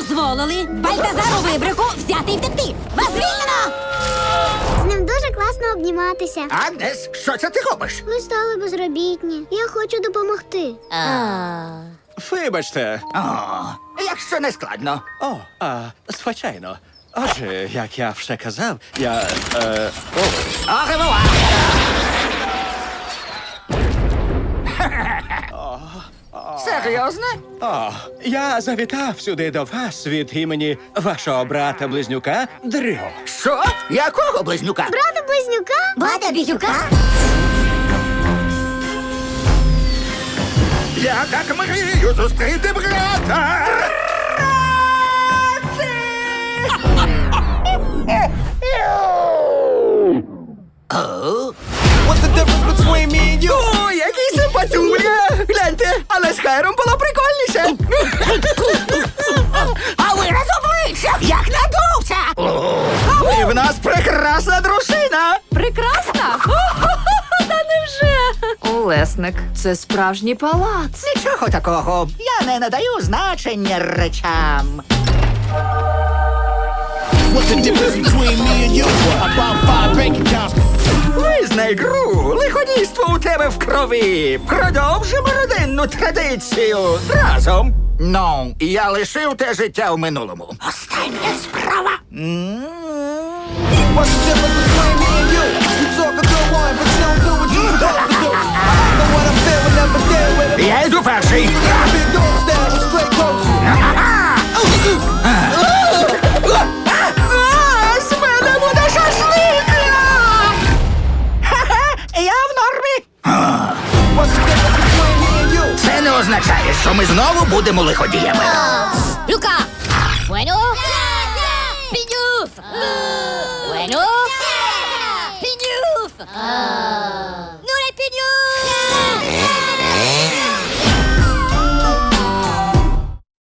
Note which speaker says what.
Speaker 1: дозволили Бальтазару Вибрику взяти і втекти. Вас звільнено!
Speaker 2: З ним дуже класно обніматися.
Speaker 3: Агнес, що це ти робиш?
Speaker 2: Ми стали безробітні. Я хочу допомогти.
Speaker 4: Вибачте.
Speaker 3: О, якщо не складно.
Speaker 4: Звичайно. Отже, як я вже казав, я...
Speaker 3: Оревуар! Серйозно?
Speaker 4: Я завітав сюди до вас від імені вашого брата-близнюка Дрю.
Speaker 3: Що? Якого близнюка?
Speaker 2: Брата близнюка?
Speaker 1: Бата Бізюка?
Speaker 3: Я так мрію зустріти брата!
Speaker 5: What's the difference between me and you?
Speaker 3: О, який симпатюля! Гляньте, але з Хайром було прикольніше. А вираз обличчя, як надувся! І в нас прекрасна дружина!
Speaker 6: Прекрасна? Та невже? Олесник, це справжній палац.
Speaker 3: Нічого такого, я не надаю значення речам.
Speaker 5: What's the difference between me and you? About 5 bank accounts.
Speaker 3: Визнай гру, лиходійство у тебе в крові. Продовжимо родинну традицію разом. Ну, я лишив те життя в минулому. Остання справа.
Speaker 5: What's the difference between me and you? You talk a good one, but you don't do what you supposed to do. I know what I'm feeling, never deal with it.
Speaker 3: Я йду перший.
Speaker 5: Big dog style with straight clothes.
Speaker 3: З мене буде шашлик! Я в нормі.
Speaker 5: What's the difference between me and you?
Speaker 3: Це не означає, що ми знову будемо лиходіями.
Speaker 1: Люка! Bueno? Пінюф! Bueno? Пінюф!